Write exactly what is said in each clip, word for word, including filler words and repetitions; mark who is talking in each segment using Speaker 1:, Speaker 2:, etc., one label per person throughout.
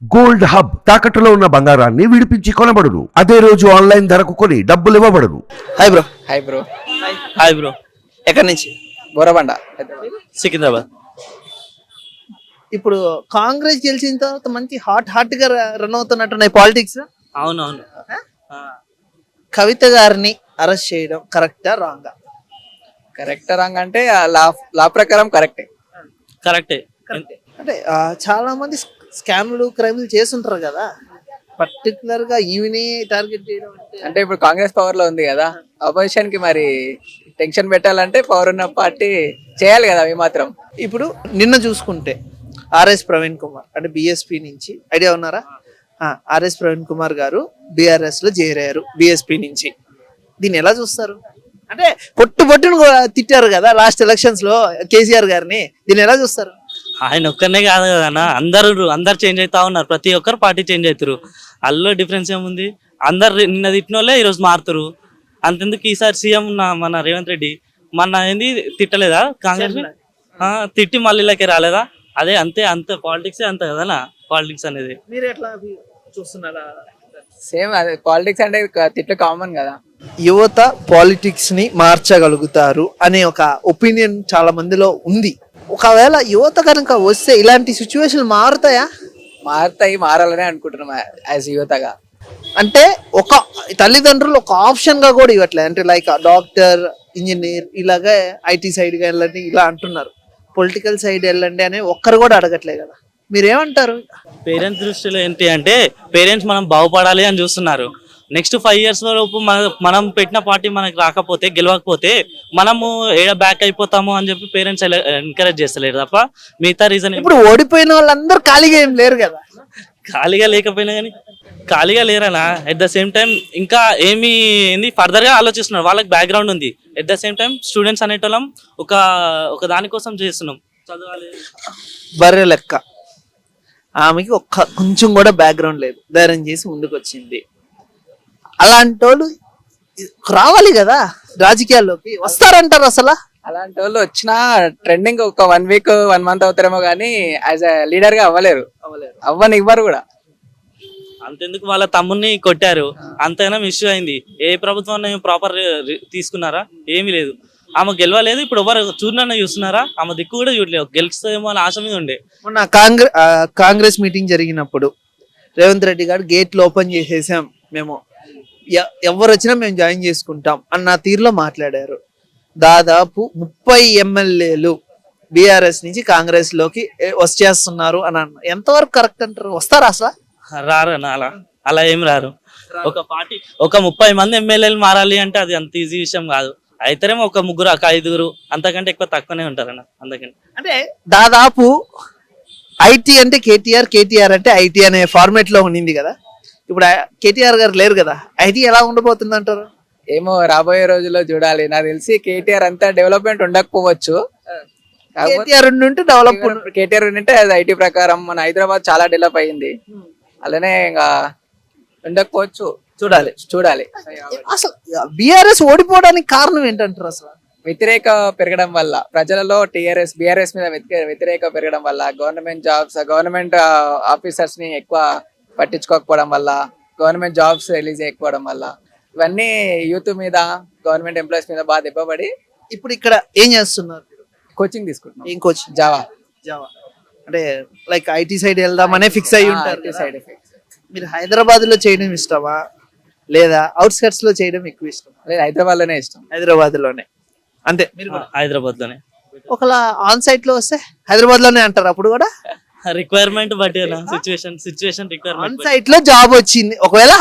Speaker 1: Gold hub తాకట్టులో ఉన్న బంగారాన్ని విడిపించి కొనబడును. అదే రోజు ఆన్లైన్ ధరకు కొని డబ్బులు ఇవ్వబడును.
Speaker 2: Hi bro.
Speaker 3: Hi bro.
Speaker 4: Hi bro.
Speaker 2: ఎక్కడి నుంచి?
Speaker 3: బోరబండ.
Speaker 4: సికింద్రాబాద్.
Speaker 2: ఇప్పుడు కాంగ్రెస్ గెలిచిన తర్వాత మంచి హాట్ హాట్ గా రన్ అవుతున్నట్టున్నాయి పాలిటిక్స్.
Speaker 4: అవునవును.
Speaker 2: కవిత గారిని అరెస్ట్ చేయడం కరెక్టా రాంగా?
Speaker 3: కరెక్ట్ రాంగ్ అంటే లా లా ప్రకారం కరెక్టే.
Speaker 4: కరెక్టే.
Speaker 2: అంటే ఆ, చాలా మంది స్కామ్లు క్రైమ్లు చేస్తుంటారు కదా, పర్టికులర్ గా ఈవిని టార్గెట్ చేయడం అంటే
Speaker 3: అంటే ఇప్పుడు కాంగ్రెస్ పవర్ లో ఉంది కదా, అపోజిషన్ కి మరి టెన్షన్ పెట్టాలంటే పవర్ ఉన్న పార్టీ చేయాలి కదా అవి మాత్రం.
Speaker 2: ఇప్పుడు నిన్న చూసుకుంటే ఆర్ఎస్ ప్రవీణ్ కుమార్ అంటే బిఎస్పి నుంచి, ఐడియా ఉన్నారా? ఆర్ఎస్ ప్రవీణ్ కుమార్ గారు బిఆర్ఎస్ లో చేరారు బిఎస్పి నుంచి. దీన్ని ఎలా చూస్తారు? అంటే పొట్టు పొట్టును కూడా తిట్టారు కదా లాస్ట్ ఎలక్షన్స్ లో కేసీఆర్ గారిని, దీన్ని ఎలా చూస్తారు?
Speaker 4: ఆయన ఒక్కనే కాదు కదా, అందరు అందరు చేంజ్ అవుతా ఉన్నారు. ప్రతి ఒక్కరు పార్టీ చేంజ్ అవుతారు. అందులో డిఫరెన్స్ ఏముంది? అందరు నిన్న తిట్టిన వాళ్ళే ఈరోజు మారుతారు. అంతెందుకు ఈసారి సీఎం మన రేవంత్ రెడ్డి మన ఏంది తిట్టలేదా కాంగ్రెస్? తిట్టి మళ్ళీ ఇలాగే రాలేదా? అదే అంతే, అంతే పాలిటిక్స్ అంతే కదా పాలిటిక్స్ అనేది.
Speaker 2: మీరు ఎట్లా చూస్తున్నారా?
Speaker 3: సేమ్ అదే పాలిటిక్స్ అంటే తిట్లు కామన్ కదా.
Speaker 2: యువత పాలిటిక్స్ ని మార్చగలుగుతారు అనే ఒక ఒపీనియన్ చాలా మందిలో ఉంది. ఒకవేళ యువత కనుక వస్తే ఇలాంటి సిచ్యువేషన్ మారుతాయా?
Speaker 3: మారుతాయి, మారాలనే అనుకుంటున్నాం యాజ్ యువతగా.
Speaker 2: అంటే ఒక తల్లిదండ్రులు ఒక ఆప్షన్ గా కూడా ఇవ్వట్లేదు. అంటే లైక్ డాక్టర్, ఇంజనీర్, ఇలాగే ఐటీ సైడ్ గా వెళ్ళండి ఇలా అంటున్నారు. పొలిటికల్ సైడ్ వెళ్ళండి అని ఒక్కరు కూడా అడగట్లేదు కదా, మీరేమంటారు?
Speaker 4: పేరెంట్స్ దృష్టిలో ఏంటి అంటే పేరెంట్స్ మనం బాగుపడాలి అని చూస్తున్నారు. నెక్స్ట్ ఫైవ్ ఇయర్స్ వరకు మన మనం పెట్టిన పార్టీ మనకి రాకపోతే, గెలవకపోతే మనము ఏడ బ్యాక్ అయిపోతాము అని చెప్పి పేరెంట్స్ ఎంకరేజ్ చేస్తలేరు తప్ప మిగతా రీజన్.
Speaker 2: ఇప్పుడు ఓడిపోయిన వాళ్ళందరూ ఖాళీగా ఏం లేరు కదా.
Speaker 4: ఖాళీగా లేకపోయినా కానీ ఖాళీగా లేరనా, ఎట్ ద సేమ్ టైం ఇంకా ఏమి ఏంది ఫర్దర్ గా ఆలోచిస్తున్నారు. వాళ్ళకి బ్యాక్గ్రౌండ్ ఉంది. At the same time students అనేటోళ్ళం ఒక ఒక దానికోసం చేస్తున్నాం, చదవాలి.
Speaker 2: బర్రె లెక్క ఆమెకి ఒక్క కొంచెం కూడా బ్యాక్గ్రౌండ్ లేదు, ధైర్యం చేసి ముందుకు వచ్చింది. అలాంటి వాళ్ళు రావాలి కదా రాజకీయాల్లోకి, వస్తారంటారు అసలు?
Speaker 3: అలాంటి వాళ్ళు వచ్చినా ట్రెండింగ్ ఒక వన్ వీక్ వన్ మంత్ అవుతారేమో కానీ యాజ్ అ లీడర్ గా అవ్వలేరు, అవ్వని ఇవ్వరు కూడా.
Speaker 4: అంతెందుకు వాళ్ళ తమ్ముడిని కొట్టారు, అంతైనా ఇష్యూ అయింది. ఏ ప్రభుత్వాన్ని ప్రాపర్ తీసుకున్నారా? ఏమీ లేదు. ఆమె గెలవలేదు. ఇప్పుడు ఎవరు చూడనన్నా చూస్తున్నారా? ఆమె దిక్కు కూడా చూడలేదు. గెలుస్తుందేమో అని ఆశ మీద ఉండే.
Speaker 2: మొన్న కాంగ్రెస్ కాంగ్రెస్ మీటింగ్ జరిగినప్పుడు రేవంత్ రెడ్డి గారు గేట్లు ఓపెన్ చేసేసాం, మేము ఎవరు వచ్చినా మేము జాయిన్ చేసుకుంటాం అన్న తీరులో మాట్లాడారు. దాదాపు ముప్పై ఎమ్మెల్యేలు బిఆర్ఎస్ నుంచి కాంగ్రెస్ లోకి వచ్చేస్తున్నారు అని అన్న, ఎంతవరకు కరెక్ట్ అంటారు? వస్తారా అసలు?
Speaker 4: రారు అలా అలా ఏం రారు. ఒక పార్టీ ఒక ముప్పై మంది ఎమ్మెల్యేలు మారాలి అంటే అది అంత ఈజీ విషయం కాదు. అయితేనేమో ఒక ముగ్గురు, ఒక ఐదుగురు, అంతకంటే ఎక్కువ తక్కువనే ఉంటారన్న. అందుకని
Speaker 2: అంటే దాదాపు ఐటీ అంటే కేటీఆర్, కేటీఆర్ అంటే ఐటీ అనే ఫార్మేట్ లో ఉండింది కదా. ఇప్పుడు కేటీఆర్ గారు లేరు కదా, ఐటీ ఎలా ఉండబోతుంది అంటారు?
Speaker 3: ఏమో రాబోయే రోజుల్లో చూడాలి. నాకు తెలిసి కేటీఆర్ అంతా డెవలప్మెంట్ ఉండకపోవచ్చు.
Speaker 2: కేటీఆర్ ఉంటే డెవలప్
Speaker 3: కేటీఆర్ ఉంటే అది ఐటీ ప్రకారం మన హైదరాబాద్ చాలా డెవలప్ అయింది. అలానే ఇంకా ఉండకపోవచ్చు, చూడాలి చూడాలి.
Speaker 2: అసలు బిఆర్ఎస్ ఓడిపోవడానికి కారణం ఏంటంటారు అసలు?
Speaker 3: వ్యతిరేక పెరగడం వల్ల ప్రజలలో టీఆర్ఎస్ బిఆర్ఎస్ మీద వ్యతిరేక పెరగడం వల్ల, గవర్నమెంట్ జాబ్స్ గవర్నమెంట్ ఆఫీసర్స్ ని ఎక్కువ పట్టించుకోకపోవడం వల్ల, గవర్నమెంట్ జాబ్స్ రిలీజ్ చేయకపోవడం వల్ల, ఇవన్నీ యూత్ మీద, గవర్నమెంట్ ఎంప్లాయీస్ మీద బాగా దెబ్బపడి
Speaker 2: ఇప్పుడు ఇక్కడ ఏం చేస్తున్నారు?
Speaker 3: కోచింగ్ తీసుకుంటున్నాం.
Speaker 2: ఏం కోచింగ్?
Speaker 3: జావా.
Speaker 2: జావా అంటే లైక్ ఐటీ సైడ్ వెళ్దామనే ఫిక్స్ అయ్యి ఉంటారు.
Speaker 3: Side effects.
Speaker 2: మీరు హైదరాబాద్ లో చేయడం ఇష్టమా లేదా అవుట్స్కట్స్ లో చేయడం ఎక్కువ ఇష్టమా?
Speaker 3: లేదు, హైదరాబాద్ లోనే ఇష్టం.
Speaker 2: హైదరాబాద్ లోనే అంతే. మీరు
Speaker 4: హైదరాబాద్ లోనే.
Speaker 2: ఒకలా ఆన్ సైట్ లో వస్తే హైదరాబాద్ లోనే అంటారు అప్పుడు కూడా?
Speaker 4: రిక్వైర్మెంట్ బట్టి situation situation
Speaker 2: on
Speaker 4: requirement.
Speaker 2: Site లో జాబ్ వచ్చింది, ఒకవేళ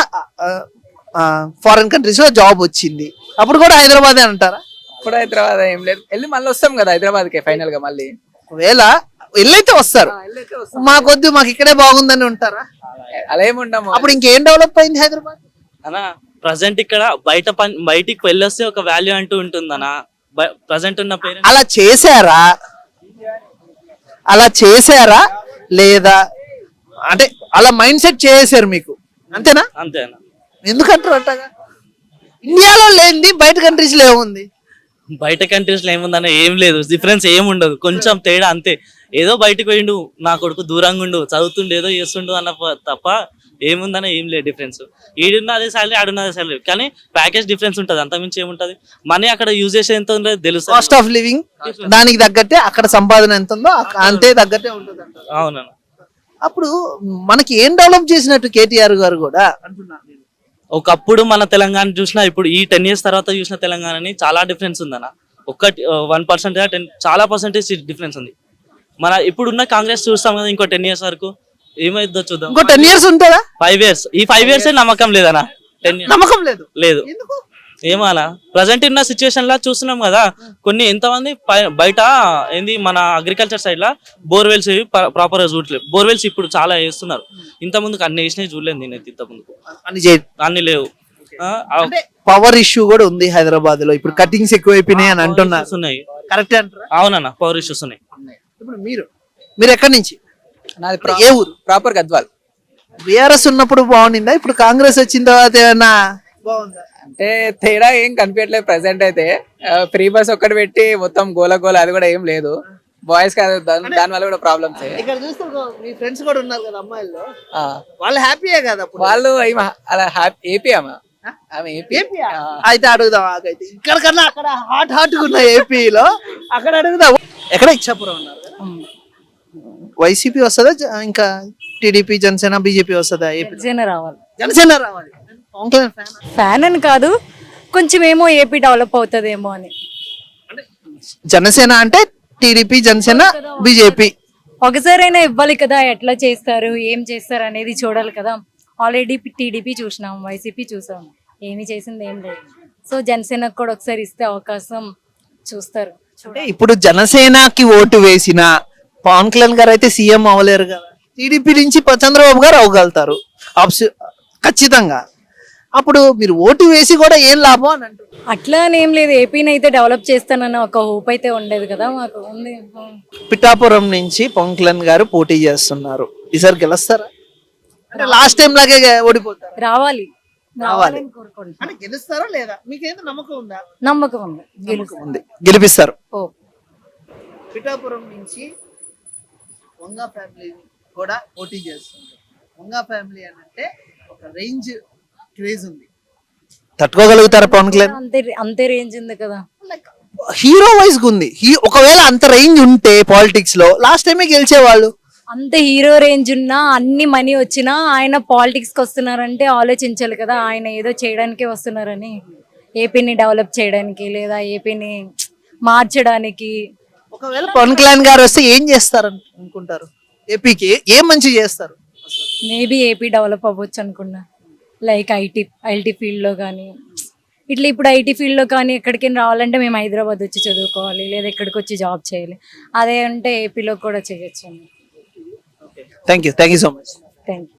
Speaker 2: ఫారెన్ కంట్రీస్ లో జాబ్ వచ్చింది, అప్పుడు కూడా హైదరాబాద్ అంటారా?
Speaker 3: ఇప్పుడు హైదరాబాద్ ఏం లేదు, వెళ్ళి మళ్ళీ వస్తాం కదా హైదరాబాద్ కి ఫైనల్ గా. మళ్ళీ
Speaker 2: ఒకవేళ వెళ్ళైతే వస్తారు, మాకొద్దు మాకు ఇక్కడే బాగుందని ఉంటారా?
Speaker 3: అలా ఏమి ఉండము.
Speaker 2: అప్పుడు ఇంకేం డెవలప్ అయింది హైదరాబాద్?
Speaker 4: అనా ప్రజెంట్ ఇక్కడ బయట పని బయటికి వెళ్ళొస్తే ఒక వాల్యూ అంటూ ఉంటుందనా? ప్రజెంట్ ఉన్న పేరెంట్స్
Speaker 2: అలా చేశారా? అలా చేశారా లేదా? అంటే అలా మైండ్ సెట్ చేసారు మీకు, అంతేనా?
Speaker 4: అంతేనా?
Speaker 2: ఎందుకంటారు అట్టగా? ఇండియాలో లేనిది బయట కంట్రీస్ లో ఏముంది?
Speaker 4: బయట కంట్రీస్ లో ఏముందన్న ఏం లేదు, డిఫరెన్స్ ఏం ఉండదు, కొంచెం తేడా అంతే. ఏదో బయటకు పోయిండు, నా కొడుకు దూరంగా ఉండు, చదువుతుండు, ఏదో చేస్తుండు అన్న ప- తప్ప ఏముందన్న ఏం లేదు డిఫరెన్స్. ఈడున్న అదే సాలరీ, ఆడున్న అదే సాలరీ, కానీ ప్యాకేజ్ డిఫరెన్స్ ఉంటుంది, అంతమించి ఏముంటది. మనీ అక్కడ యూజ్ చేసే ఎంత ఉందో తెలుసు.
Speaker 2: కాస్ట్ ఆఫ్ లివింగ్ దానికి తగ్గట్టే అక్కడ సంపాదన ఎంత ఉందో అక్క- అంతే తగ్గట్టే ఉంటుంది అంటారు.
Speaker 4: అవునన్న.
Speaker 2: అప్పుడు మనకి ఏం డెవలప్ చేసినట్టు కేటీఆర్ గారు కూడా అంటున్నాను నేను.
Speaker 4: ఒకప్పుడు మన తెలంగాణ చూసినా ఇప్పుడు ఈ టెన్ ఇయర్స్ తర్వాత చూసిన తెలంగాణని చాలా డిఫరెన్స్ ఉందన్న. ఒక్కటి వన్ పర్సెంట్ టెన్ చాలా పర్సెంటేజ్ డిఫరెన్స్ ఉంది. మన ఇప్పుడున్న కాంగ్రెస్ చూస్తాం కదా, ఇంకో టెన్ ఇయర్స్ వరకు ఏమైందో చూద్దాం.
Speaker 2: ఇంకో టెన్ ఇయర్స్ ఉంటుందా?
Speaker 4: ఫైవ్ ఇయర్స్ ఈ ఫైవ్ ఇయర్స్ నమ్మకం లేదన్న. టెన్
Speaker 2: నమ్మకం లేదు.
Speaker 4: లేదు.
Speaker 2: ఎందుకు?
Speaker 4: ఏమో అలా ప్రజెంట్ ఉన్న సిచ్యువేషన్ లా చూస్తున్నాం కదా, కొన్ని ఎంతమంది పై- బయట ఏంది మన అగ్రికల్చర్ సైడ్ లా బోర్వెల్స్ ప్రాపర్ గా చూడలేదు. బోర్వెల్స్ ఇప్పుడు చాలా వేస్తున్నారు, ఇంత ముందుకు అన్ని వేసినవి చూడలేదు నేనైతే. ఇంత ముందుకు
Speaker 2: అని చే-
Speaker 4: అన్ని లేవు. ఆ, ఆ,
Speaker 2: అంటే పవర్ ఇష్యూ కూడా ఉంది హైదరాబాద్ లో. ఇప్పుడు కటింగ్స్ ఎక్కువైపోయినాయి అని అంటున్నారు.
Speaker 4: issues ఉన్నాయి.
Speaker 2: కరెక్ట్ అంటారా?
Speaker 4: అవునన్న, పవర్ ఇష్యూస్ ఉన్నాయి.
Speaker 2: ఇప్పుడు మీరు మీరు ఎక్కడి నుంచి?
Speaker 3: నాది
Speaker 2: ఏ ఊరు?
Speaker 3: ప్రాపర్ గద్వాల్.
Speaker 2: బీఆర్ఎస్ ఉన్నప్పుడు బాగుండిందా? ఇప్పుడు కాంగ్రెస్ వచ్చిన తర్వాత ఏమన్నా బాగుందా?
Speaker 3: అంటే తేడా ఏం కనిపించట్లేదు ప్రెసెంట్ అయితే. ఫ్రీ బస్ ఒక్కటి పెట్టి మొత్తం గోల గోల, అది కూడా ఏం లేదు. బాయ్స్ కాదు, దాని దాని వల్ల కూడా ప్రాబ్లమ్స్.
Speaker 2: ఇక్కడ చూస్తే మీ ఫ్రెండ్స్ కూడా ఉన్నారు కదా అమ్మాయిల్లో, వాళ్ళు హ్యాపీయే కదా అప్పుడు?
Speaker 3: వాళ్ళు ఏమ అలా హ్యాపీ ఏపీ ఆమె ఆమె ఏపీ.
Speaker 2: అయితే అడుగుదాం. ఆగైతే ఇక్కడ కన్నా అక్కడ హాట్ హాట్ గా ఉన్న ఏపీలో అక్కడ అడుగుదాం. ఎక్కడ ఇచ్చాపురం ఉన్నారు కదా, వైసీపీ వస్తుందా జ- ఇంకా టీడీపీ జనసేన బీజేపీ వస్తుందా? ఏపీ
Speaker 5: జనసేన రావాలి.
Speaker 2: జనసేన రావాలి. పవన్ కళ్యాణ్ ఫ్యాన్?
Speaker 5: ఫ్యాన్ అని కాదు, కొంచెం ఏమో ఏపీ డెవలప్ అవుతుందేమో అని.
Speaker 2: జనసేన అంటే టీడీపీ జనసేన బీజేపీ.
Speaker 5: ఒకసారైనా ఇవ్వాలి కదా, ఎట్లా చేస్తారు ఏం చేస్తారు అనేది చూడాలి కదా. ఆల్రెడీ టీడీపీ చూసినాం, వైసీపీ చూసాం, ఏమి చేసింది ఏం లేదు. సో జనసేనకు కూడా ఒకసారి ఇస్తే అవకాశం చూస్తారు.
Speaker 2: అంటే ఇప్పుడు జనసేనకి ఓటు వేసిన పవన్ కళ్యాణ్ గారు అయితే సీఎం అవ్వలేరు కదా. టీడీపీ నుంచి ప- చంద్రబాబు గారు అవ్వగలుగుతారు ఆబ్స్- ఖచ్చితంగా. అప్పుడు మీరు ఓటు వేసి కూడా ఏం లాభం అని అంటారు.
Speaker 5: అట్లా అని ఏం లేదు, ఏపీని అయితే డెవలప్ చేస్తానన్న ఒక హోప్ అయితే ఉండేది కదా మాకు, ఉంది.
Speaker 2: పిఠాపురం నుంచి పవన్ కళ్యాణ్ గారు పోటీ చేస్తున్నారు. ఈసారి గెలుస్తారా? అంటే లాస్ట్ టైం లాగే ఓడిపోతారు.
Speaker 5: రావాలి
Speaker 2: రావాలి.
Speaker 5: రావాలని కోరుకుంటున్నాం.
Speaker 2: అంటే గెలుస్తారా లేదా? మీకేంత నమ్మకం ఉందా?
Speaker 5: నమ్మకం ఉంది, గెలుస్తాం.
Speaker 2: ఉంది, గెలిపిస్తారు.
Speaker 5: ఓ
Speaker 2: పిఠాపురం నుంచి వంగ ఫ్యామిలీ కూడా పోటీ చేస్తుంది. వంగ ఫ్యామిలీ అని అంటే ఒక రేంజ్ క్రేజ్ ఉంది. తట్టుకోగలుగుతారా పవన్ కళ్యాణ్?
Speaker 5: అంతే అంతే రేంజ్ ఉంది కదా.
Speaker 2: హీరో వైజ్ ఉంది. హీ ఒకవేళ అంత రేంజ్ ఉంటే పాలిటిక్స్ లో లాస్ట్ టైమే గెలిచేవాళ్ళు.
Speaker 5: అంత హీరో రేంజ్ ఉన్నా, అన్ని మనీ వచ్చినా ఆయన పాలిటిక్స్ కి వస్తున్నారంటే ఆలోచించాలి కదా, ఆయన ఏదో చేయడానికే వస్తున్నారని. ఏపీని డెవలప్ చేయడానికి లేదా ఏపీని మార్చడానికి.
Speaker 2: ఒకవేళ పవన్ కళ్యాణ్ గారు వస్తే ఏం చేస్తారు అనుకుంటారు? ఏపీకి ఏం మంచి చేస్తారు?
Speaker 5: మేబీ ఏపీ డెవలప్ అవ్వచ్చు అనుకున్నా. లైక్ ఐటీ ఐటీ ఫీల్డ్లో కానీ ఇట్లా. ఇప్పుడు ఐటీ ఫీల్డ్లో కానీ ఎక్కడికైనా రావాలంటే మేము హైదరాబాద్ వచ్చి చదువుకోవాలి, లేదా ఎక్కడికి వచ్చి జాబ్ చేయాలి. అదే అంటే ఏపీలో కూడా చేయొచ్చు.
Speaker 2: Thank you thank you so much.
Speaker 5: Thank you.